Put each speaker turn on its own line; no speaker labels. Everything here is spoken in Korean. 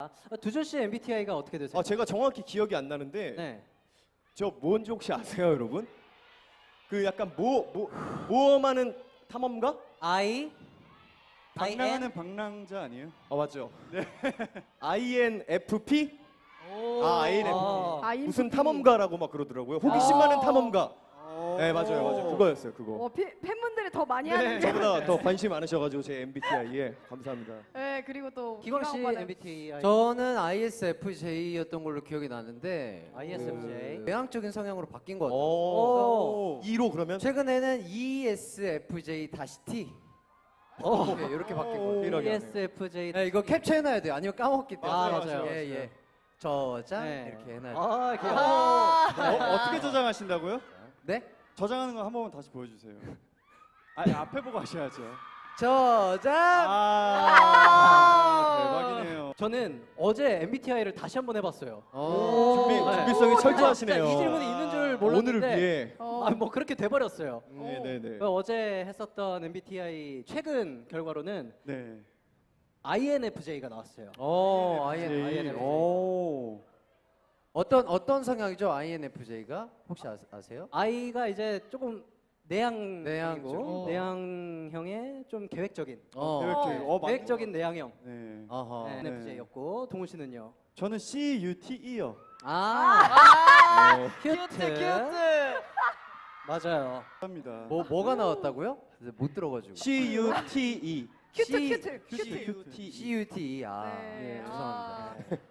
두준 씨 MBTI가 어떻게 되세요?
제가 정확히 기억이 안 나는데
네.
저 뭔지 혹시 아세요, 여러분? 그 약간 모험하는 탐험가?
I
방랑하는 방랑자 아니에요?
맞죠. 네. INFP? INFP.
INFP.
무슨 탐험가라고 막 그러더라고요. 호기심 많은 탐험가. 네, 맞아요. 그거였어요, 그거.
팬분들이 더 많이
네,
하는데.
저보다 더 관심 많으셔가지고 제 MBTI에 감사합니다.
네, 그리고 또
기광 씨
오빠는
MBTI
저는 ISFJ였던 걸로 기억이 나는데
ISFJ.
외향적인 성향으로 바뀐 것 같아요.
오.
2로 그러면?
최근에는 ESFJ-T 이렇게 바뀐 것 같아요.
이러게.
ESFJ.
네, 이거 캡처해놔야 돼요. 아니면 까먹기 때문에.
맞아요.
예. 저장
네.
이렇게 해놔야 돼요.
귀여워.
어떻게 저장하신다고요?
네?
저장하는 거 한 번만 다시 보여주세요. 앞에 보고 하셔야죠.
저장.
대박이네요.
저는 어제 MBTI를 다시 한번 해봤어요.
준비성이 철저하시네요.
진짜 이 질문이 있는 줄 몰랐는데.
오늘을 위해.
뭐 그렇게 돼버렸어요.
네네네.
어제 했었던 MBTI 최근 결과로는
네.
INFJ가 나왔어요.
INFJ.
오.
어떤 성향이죠? INFJ가 혹시 아세요?
I가 이제 조금
내향이죠.
내향형의 좀 계획적인.
계획적인.
내향형.
네.
어허.
네, INFJ였고 동훈 씨는요?
저는 CUTE요.
큐트. 맞아요.
합니다.
뭐가 나왔다고요? 못 들어가지고.
CUTE.
큐트.
CUT.
네.
죄송합니다.